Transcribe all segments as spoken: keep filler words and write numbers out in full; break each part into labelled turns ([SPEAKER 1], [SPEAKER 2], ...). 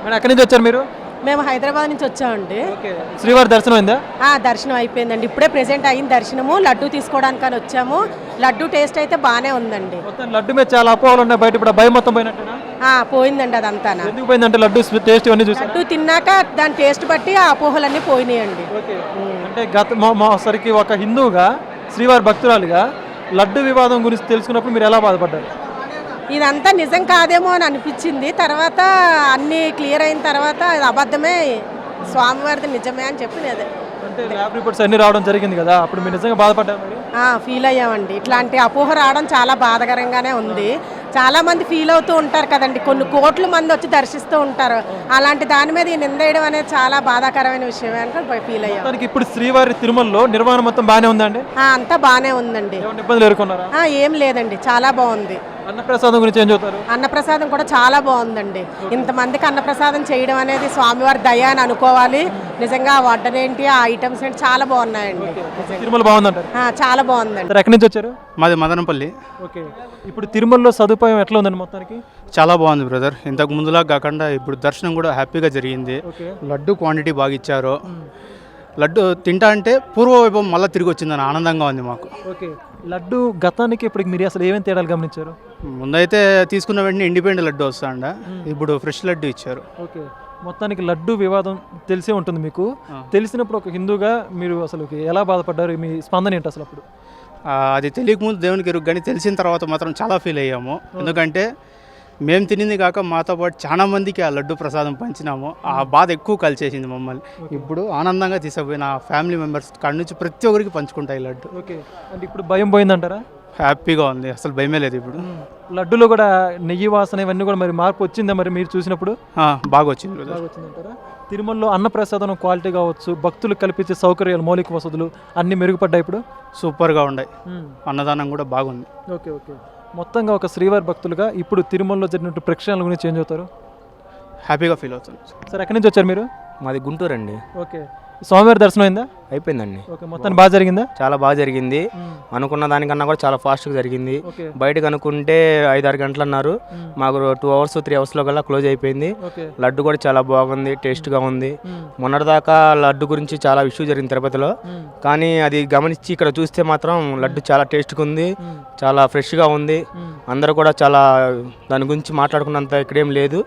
[SPEAKER 1] Madam ఎక్కడి నుంచి వచ్చారు మీరు?
[SPEAKER 2] మేము హైదరాబాద్ నుంచి వచ్చామండి.
[SPEAKER 1] శ్రీవారి దర్శనం అయిందా?
[SPEAKER 2] దర్శనం అయిపోయిందండి, ఇప్పుడే ప్రెసెంట్ అయింది దర్శనము. లడ్డు తీసుకోవడానికని వచ్చాము. లడ్డు టేస్ట్ అయితే బాగానే ఉందండి.
[SPEAKER 1] లడ్డు మీద చాలా అపోహలు ఉన్నాయి బయట, ఇప్పుడు భయం మొత్తం పోయినట్టేనా?
[SPEAKER 2] పోయిందండి అదంతా.
[SPEAKER 1] ఎందుకు పోయిందంటే లడ్డు టేస్ట్ ఇవన్నీ చూసి
[SPEAKER 2] లడ్డు తిన్నాక దాని టేస్ట్ బట్టి ఆ అపోహలన్నీ పోయినాయండి.
[SPEAKER 1] అంటే గత సరికి ఒక హిందువుగా శ్రీవారి భక్తురాలుగా లడ్డు వివాదం గురించి తెలుసుకున్నప్పుడు మీరు ఎలా బాధపడ్డారు?
[SPEAKER 2] ఇదంతా నిజం కాదేమో అని అనిపించింది. తర్వాత అన్నీ క్లియర్ అయిన తర్వాత అది అబద్ధమే, స్వామివారిది నిజమే అని చెప్పి
[SPEAKER 1] అంటే ల్యాబ్ రిపోర్ట్స్ అన్ని రావడం జరిగింది కదా, అప్పుడు మీరు నిజంగా బాధపడ్డారు?
[SPEAKER 2] ఫీల్ అయ్యామండి. ఇట్లాంటి అపోహ రావడం చాలా బాధాకరంగానే ఉంది. చాలా మంది ఫీల్ అవుతూ ఉంటారు కదండి, కొన్ని కోట్ల మంది వచ్చి దర్శిస్తూ ఉంటారు. అలాంటి దాని మీద ఈ నిందేయడం అనేది చాలా బాధాకరమైన విషయమే అని ఫీల్ అయ్యాం.
[SPEAKER 1] ఇప్పుడు శ్రీవారి తిరుమలలో నిర్వహణ మొత్తం బాగానే ఉందండి?
[SPEAKER 2] అంతా బాగానే ఉందండి,
[SPEAKER 1] ఇబ్బందులు ఎదుర్కొన్నారా?
[SPEAKER 2] ఏం లేదండి, చాలా బాగుంది.
[SPEAKER 1] అన్నప్రసాదం గురించి ఏం చెప్తారు?
[SPEAKER 2] అన్నప్రసాదం కూడా చాలా బాగుందండి. ఇంతమందికి అన్నప్రసాదం చేయడం అనేది స్వామివారి దయ అని అనుకోవాలి. నిజంగా వడ్డన ఏంటి, ఆ ఐటమ్స్ ఏంటి చాలా బాగున్నాయండి.
[SPEAKER 1] తిరుమల బాగుందంటారు?
[SPEAKER 2] చాలా బాగుందండి.
[SPEAKER 1] ఎక్కడి నుంచి వచ్చారు?
[SPEAKER 3] మాది మదనపల్లి.
[SPEAKER 1] ఓకే, ఇప్పుడు తిరుమలలో సదుపాయం ఎట్లా ఉందండి మొత్తానికి?
[SPEAKER 3] చాలా బాగుంది బ్రదర్, ఇంతకు ముందులా కాకుండా ఇప్పుడు దర్శనం కూడా హ్యాపీగా జరిగింది. లడ్డు క్వాంటిటీ బాగా ఇచ్చారు. లడ్డు తింటా అంటే పూర్వవైభవం మళ్ళీ తిరిగి వచ్చిందని ఆనందంగా ఉంది మాకు.
[SPEAKER 1] ఓకే, లడ్డు గతానికి ఇప్పటికి మీరు అసలు ఏమేమి తేడాలు గమనించారు?
[SPEAKER 3] ముందైతే తీసుకున్న వెంటనే ఇండిపెండెంట్ లడ్డు వస్తాండ, ఇప్పుడు ఫ్రెష్ లడ్డు ఇచ్చారు.
[SPEAKER 1] ఓకే, మొత్తానికి లడ్డు వివాదం తెలిసే ఉంటుంది మీకు. తెలిసినప్పుడు ఒక హిందూగా మీరు అసలు ఎలా బాధపడ్డారు? మీ స్పందన ఏంటి అసలు అప్పుడు?
[SPEAKER 3] అది తెలియకముందు దేవునికి ఎరుగు, కానీ తెలిసిన తర్వాత మాత్రం చాలా ఫీల్ అయ్యాము. ఎందుకంటే మేము తినింది కాక మాతో పాటు చాలా మందికి ఆ లడ్డు ప్రసాదం పంచినాము. ఆ బాధ ఎక్కువ కలిసేసింది మమ్మల్ని. ఇప్పుడు ఆనందంగా తీసుకుపోయిన ఫ్యామిలీ మెంబర్స్ కాడి నుంచి ప్రతి ఒక్కరికి పంచుకుంటాయి లడ్డు.
[SPEAKER 1] ఓకే, అంటే ఇప్పుడు భయం పోయిందంటారా?
[SPEAKER 3] హ్యాపీగా ఉంది, అసలు భయమే లేదు ఇప్పుడు.
[SPEAKER 1] లడ్డులో కూడా నెయ్యి వాసన ఇవన్నీ కూడా మరి మార్పు వచ్చిందా మరి మీరు చూసినప్పుడు?
[SPEAKER 3] బాగా వచ్చింది.
[SPEAKER 1] బాగా వచ్చిందంటారా? తిరుమలలో అన్నప్రసాదం క్వాలిటీ కావచ్చు, భక్తులు కల్పించే సౌకర్యాలు, మౌలిక వసతులు అన్నీ మెరుగుపడ్డాయి ఇప్పుడు?
[SPEAKER 3] సూపర్గా ఉన్నాయి, అన్నదానం కూడా బాగుంది.
[SPEAKER 1] ఓకే ఓకే, మొత్తంగా ఒక శ్రీవారి భక్తులుగా ఇప్పుడు తిరుమలలో జరిగినట్టు ప్రేక్షణల గురించి ఏం చెబుతారు?
[SPEAKER 3] హ్యాపీగా ఫీల్ అవుతుంది.
[SPEAKER 1] సార్ ఎక్కడి నుంచి వచ్చారు మీరు?
[SPEAKER 4] మాది గుంటూరు అండి.
[SPEAKER 1] ఓకే, స్వామివారి దర్శనం అయిందా?
[SPEAKER 4] అయిపోయిందండి.
[SPEAKER 1] ఓకే, మొత్తం బాగా జరిగిందా?
[SPEAKER 4] చాలా బాగా జరిగింది. అనుకున్న దానికన్నా కూడా చాలా ఫాస్ట్గా జరిగింది. బయటకు అనుకుంటే ఐదు ఆరు గంటలు అన్నారు, మాకు టూ అవర్స్ త్రీ అవర్స్లో కల్లా క్లోజ్ అయిపోయింది. లడ్డు కూడా చాలా బాగుంది, టేస్ట్గా ఉంది. మొన్నటిదాకా లడ్డు గురించి చాలా ఇష్యూ జరిగింది తిరుపతిలో, కానీ అది గమనించి ఇక్కడ చూస్తే మాత్రం లడ్డు చాలా టేస్ట్గా ఉంది, చాలా ఫ్రెష్గా ఉంది. అందరూ కూడా చాలా దాని గురించి మాట్లాడుకున్నంత ఇక్కడేం లేదు,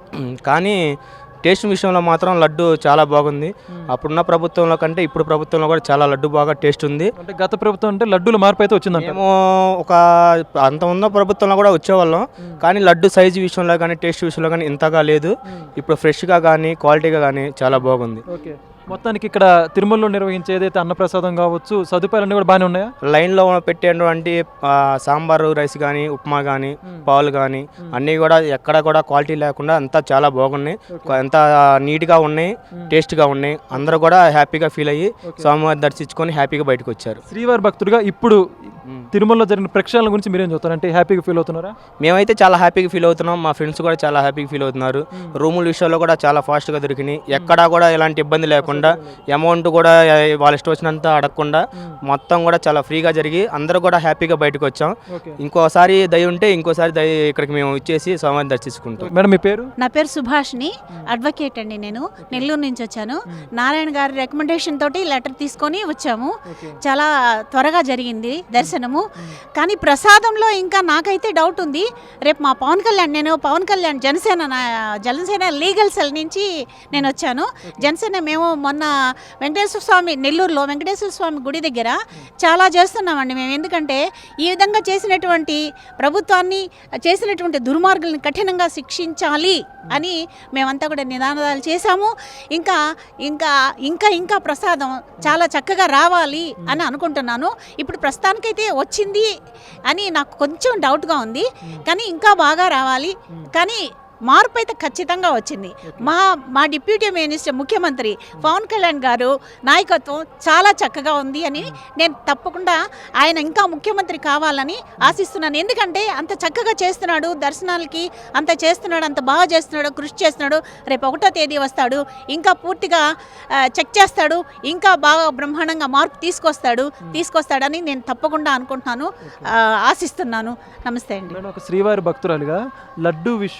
[SPEAKER 4] కానీ టేస్ట్ విషయంలో మాత్రం లడ్డు చాలా బాగుంది. అప్పుడున్న ప్రభుత్వంలో కంటే ఇప్పుడు ప్రభుత్వంలో కూడా చాలా లడ్డు బాగా టేస్ట్ ఉంది.
[SPEAKER 1] అంటే గత ప్రభుత్వం అంటే లడ్డూల మార్పు అయితే వచ్చింది.
[SPEAKER 4] మేము ఒక అంత ఉన్న ప్రభుత్వంలో కూడా వచ్చేవాళ్ళం, కానీ లడ్డు సైజు విషయంలో కానీ టేస్ట్ విషయంలో కానీ ఇంతగా లేదు. ఇప్పుడు ఫ్రెష్గా కానీ క్వాలిటీగా కానీ చాలా బాగుంది.
[SPEAKER 1] ఓకే, మొత్తానికి ఇక్కడ తిరుమలలో నిర్వహించే ఏదైతే అన్నప్రసాదం కావచ్చు, సదుపాయాలన్నీ కూడా బాగానే ఉన్నాయా?
[SPEAKER 4] లైన్లో పెట్టేటువంటి సాంబారు రైస్ కానీ, ఉప్మా కానీ, పాలు కానీ అన్నీ కూడా ఎక్కడ కూడా క్వాలిటీ లేకుండా అంతా చాలా బాగున్నాయి, ఎంత నీట్గా ఉన్నాయి, టేస్ట్గా ఉన్నాయి. అందరూ కూడా హ్యాపీగా ఫీల్ అయ్యి స్వామివారి దర్శించుకొని హ్యాపీగా బయటకు వచ్చారు.
[SPEAKER 1] శ్రీవారి భక్తుడిగా ఇప్పుడు తిరుమలలో జరిగిన ప్రేక్షణల గురించి మీరేం చెప్తారు? అంటే హ్యాపీగా ఫీల్ అవుతున్నారా?
[SPEAKER 4] మేమైతే చాలా హ్యాపీగా ఫీల్ అవుతున్నాం, మా ఫ్రెండ్స్ కూడా చాలా హ్యాపీగా ఫీల్ అవుతున్నారు. రూముల విషయంలో కూడా చాలా ఫాస్ట్గా దొరికినాయి, ఎక్కడా కూడా ఎలాంటి ఇబ్బంది లేకుండా, అమౌంట్ కూడా వాళ్ళ ఇష్టం వచ్చినంత అడగకుండా మొత్తం కూడా చాలా ఫ్రీగా జరిగి అందరూ కూడా హ్యాపీగా బయటకు వచ్చాం. ఇంకోసారి దయ ఉంటే ఇంకోసారి దయ ఇక్కడికి మేము ఇచ్చేసి స్వామిని దర్శించుకుంటాం.
[SPEAKER 1] మేడం మీ పేరు?
[SPEAKER 5] నా పేరు సుభాష్ని, అడ్వకేట్ అండి. నేను నెల్లూరు నుంచి వచ్చాను. నారాయణ గారి రికమెండేషన్ తోటి లెటర్ తీసుకొని వచ్చాము. చాలా త్వరగా జరిగింది దర్శనము. కానీ ప్రసాదంలో ఇంకా నాకైతే డౌట్ ఉంది. రేపు మా పవన్ కళ్యాణ్, నేను పవన్ కళ్యాణ్ జనసేన జనసేన లీగల్ సెల్ నుంచి నేను వచ్చాను. జనసేన మేము మొన్న వెంకటేశ్వర స్వామి, నెల్లూరులో వెంకటేశ్వర స్వామి గుడి దగ్గర చాలా చేస్తున్నామండి మేము. ఎందుకంటే ఈ విధంగా చేసినటువంటి ప్రభుత్వాన్ని, చేసినటువంటి దుర్మార్గుల్ని కఠినంగా శిక్షించాలి అని మేమంతా కూడా నినాదాలు చేశాము. ఇంకా ఇంకా ఇంకా ఇంకా ప్రసాదం చాలా చక్కగా రావాలి అని అనుకుంటున్నాను. ఇప్పుడు ప్రస్తుతానికైతే వచ్చింది అని నాకు కొంచెం డౌట్గా ఉంది, కానీ ఇంకా బాగా రావాలి. కానీ మార్పు అయితే ఖచ్చితంగా వచ్చింది. మా మా డిప్యూటీ మినిస్టర్ ముఖ్యమంత్రి పవన్ కళ్యాణ్ గారు నాయకత్వం చాలా చక్కగా ఉంది అని నేను తప్పకుండా ఆయన ఇంకా ముఖ్యమంత్రి కావాలని ఆశిస్తున్నాను. ఎందుకంటే అంత చక్కగా చేస్తున్నాడు, దర్శనాలకి అంత చేస్తున్నాడు, అంత బాగా చేస్తున్నాడు, కృషి చేస్తున్నాడు. రేపు ఒకటో తేదీ వస్తాడు, ఇంకా పూర్తిగా చెక్ చేస్తాడు, ఇంకా బాగా బ్రహ్మాండంగా మార్పు తీసుకొస్తాడు తీసుకొస్తాడని నేను తప్పకుండా అనుకుంటున్నాను, ఆశిస్తున్నాను. నమస్తే అండి.
[SPEAKER 1] ఒక శ్రీవారి భక్తురాలుగా లడ్డు విషయం ఏదైతే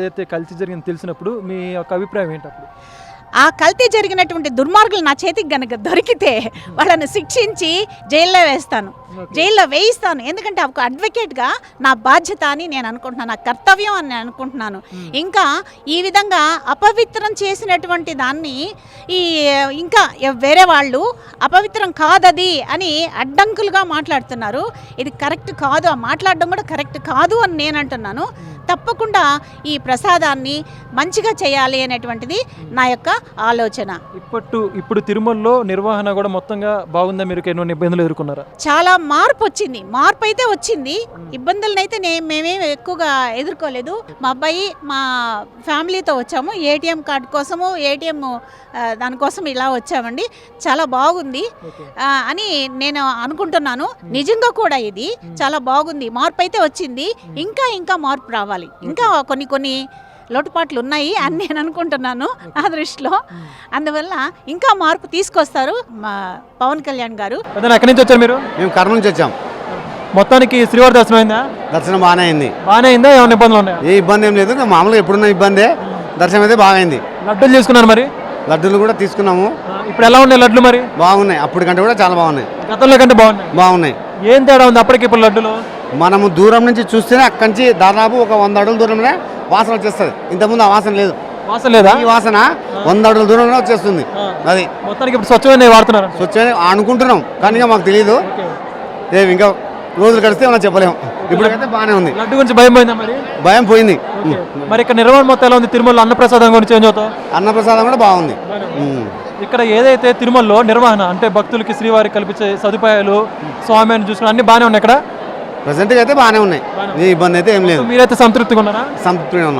[SPEAKER 1] ఏదైతే కల్తీ జరిగిందో తెలిసినప్పుడు మీ యొక్క అభిప్రాయం ఏంటి అప్పుడు?
[SPEAKER 5] ఆ కల్తీ జరిగినటువంటి దుర్మార్గులు నా చేతికి గనక దొరికితే వాళ్ళని శిక్షించి జైల్లో వేస్తాను, జైల్లో వేయిస్తాను. ఎందుకంటే ఒక అడ్వకేట్గా నా బాధ్యత అని నేను అనుకుంటున్నాను, నా కర్తవ్యం అని నేను అనుకుంటున్నాను. ఇంకా ఈ విధంగా అపవిత్రం చేసినటువంటి దాన్ని ఈ ఇంకా వేరే వాళ్ళు అపవిత్రం కాదది అని అడ్డంకులుగా మాట్లాడుతున్నారు. ఇది కరెక్ట్ కాదు, ఆ మాట్లాడడం కూడా కరెక్ట్ కాదు అని నేను అంటున్నాను. తప్పకుండా ఈ ప్రసాదాన్ని మంచిగా చేయాలి అనేటువంటిది నా యొక్క ఆలోచన.
[SPEAKER 1] ఇప్పటి ఇప్పుడు తిరుమలలో నిర్వహణ కూడా మొత్తంగా బాగుందా? మీరు ఎన్నో ఇబ్బందులు ఎదుర్కొన్నారా?
[SPEAKER 5] చాలా మార్పు వచ్చింది, మార్పు అయితే వచ్చింది. ఇబ్బందులను అయితే నే మేమేం ఎక్కువగా ఎదుర్కోలేదు. మా అబ్బాయి మా ఫ్యామిలీతో వచ్చాము, ఏటీఎం కార్డు కోసము, ఏటీఎం దానికోసం ఇలా వచ్చామండి. చాలా బాగుంది అని నేను అనుకుంటున్నాను. నిజంగా కూడా ఇది చాలా బాగుంది, మార్పు అయితే వచ్చింది. ఇంకా ఇంకా మార్పు రావాలి, ఇంకా కొన్ని కొన్ని లోటుపాట్లు ఉన్నాయి అని నేను అనుకుంటున్నాను నా దృష్టిలో. అందువల్ల ఇంకా మార్పు తీసుకొస్తారు మా పవన్ కళ్యాణ్ గారు.
[SPEAKER 1] ఎక్కడి నుంచి వచ్చారు మీరు?
[SPEAKER 6] మేము కర్నూలు నుంచి వచ్చాం.
[SPEAKER 1] మొత్తానికి శ్రీవారి దర్శనం అయిందా?
[SPEAKER 6] దర్శనం బాగానే అయింది.
[SPEAKER 1] బాగానే అయిందా? ఏమైనా ఇబ్బందులు ఉన్నాయా?
[SPEAKER 6] ఏ ఇబ్బంది ఏం లేదు, మామూలుగా ఎప్పుడున్న ఇబ్బందే. దర్శనం అయితే బాగా అయింది.
[SPEAKER 1] లడ్డూలు తీసుకున్నారు మరి?
[SPEAKER 6] లడ్డూలు కూడా తీసుకున్నాము.
[SPEAKER 1] ఇప్పుడు ఎలా ఉన్నాయి లడ్లు మరి?
[SPEAKER 6] బాగున్నాయి, అప్పటికంటే కూడా చాలా బాగున్నాయి.
[SPEAKER 1] గతంలో కంటే బాగున్నాయి.
[SPEAKER 6] బాగున్నాయి.
[SPEAKER 1] ఏం తేడా ఉంది అప్పటికి ఇప్పుడు లడ్డులో?
[SPEAKER 6] మనము దూరం నుంచి చూస్తేనే అక్కడి నుంచి దాదాపు ఒక వంద అడుగుల దూరంలోనే వాసన వచ్చేస్తుంది. ఇంతకుముందు ఆ వాసన లేదు.
[SPEAKER 1] వాసన లేదా?
[SPEAKER 6] ఈ వాసన వంద అడుగుల దూరంలో వచ్చేస్తుంది. అది
[SPEAKER 1] మొత్తానికి ఇప్పుడు స్వచ్ఛమైన వాడుతున్నారు
[SPEAKER 6] స్వచ్ఛమైన అనుకుంటున్నాం, కానీ మాకు తెలియదు. ఏమి ఇంకా రోజులు గడిస్తే మనం చెప్పలేము. ఇప్పటికైతే బాగానే ఉంది.
[SPEAKER 1] లడ్డు గురించి భయం పోయిందా మరి?
[SPEAKER 6] భయం పోయింది.
[SPEAKER 1] మరి ఇక్కడ నిర్వహణ మొత్తం ఎలా ఉంది? తిరుమల అన్నప్రసాదం గురించి ఏం చదువుతావు?
[SPEAKER 6] అన్నప్రసాదం కూడా బాగుంది.
[SPEAKER 1] ఇక్కడ ఏదైతే తిరుమలలో నిర్వహణ అంటే భక్తులకి శ్రీవారికి కల్పించే సదుపాయాలు, స్వామిని చూసుకుని అన్ని బాగానే ఉన్నాయి ఇక్కడ.
[SPEAKER 6] ప్రజెంట్గా అయితే బాగానే ఉన్నాయి, ఏ ఇబ్బంది అయితే ఏం లేదు.
[SPEAKER 1] మీరైతే సంతృప్తిగా ఉన్నారా?
[SPEAKER 6] సంతృప్తిగా ఉన్నాం.